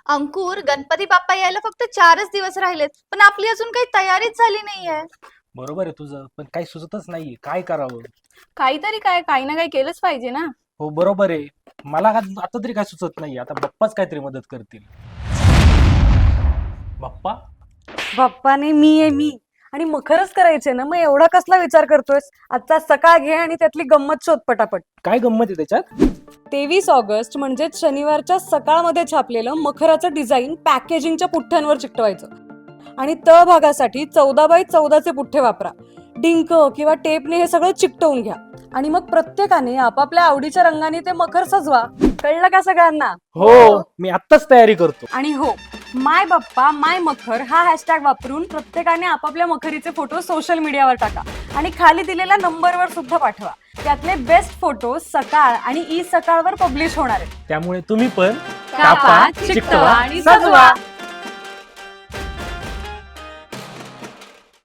अंकुर, गणपती बाप्पा यायला फक्त 4च दिवस राहिलेत, पण आपली अजून काही तयारीच झाली नाहीये. बरोबर आहे तुझं, पण काही सुचतच नाही काय करावं. काहीतरी काय काही ना काही केलंच पाहिजे ना. हो बरोबर आहे. मला आता तरी काय सुचत नाही. आता बाप्पाच काहीतरी मदत करतील. बाप्पा. बाप्पाने मी आहे मी आणि मखरच करायचे ना, मग एवढा कसला विचार करतोयस? आजचा सकाळ घे आणि त्यातली गंमत शोध पटापट. काय गंमत आहे त्याच्यात? 23 ऑगस्ट म्हणजेच शनिवारच्या सकाळमध्ये छापलेलं मखराचं डिझाईन पॅकेजिंगच्या पुठ्ठ्यांवर चिकटवायचं आणि त भागासाठी 14x14चे पुठ्ठे वापरा. डिंक किंवा टेपने हे सगळं चिकटवून घ्या आणि मग प्रत्येकाने आपापल्या आवडीच्या रंगाने ते मखर सजवा. कळलं का सगळ्यांना? हो, मी आत्ताच तयारी करतो. आणि हो, माय बाप्पा माय मखर हा हॅशटॅग वापरून प्रत्येकाने आपापल्या मखरीचे फोटो सोशल मीडियावर टाका आणि खाली दिलेल्या नंबरवर सुद्धा पाठवा. त्यातले बेस्ट फोटो सकाळ आणि ई सकाळवर पब्लिश होणार आहेत. त्यामुळे तुम्ही पण कापा, चिकटवा आणि सजवा.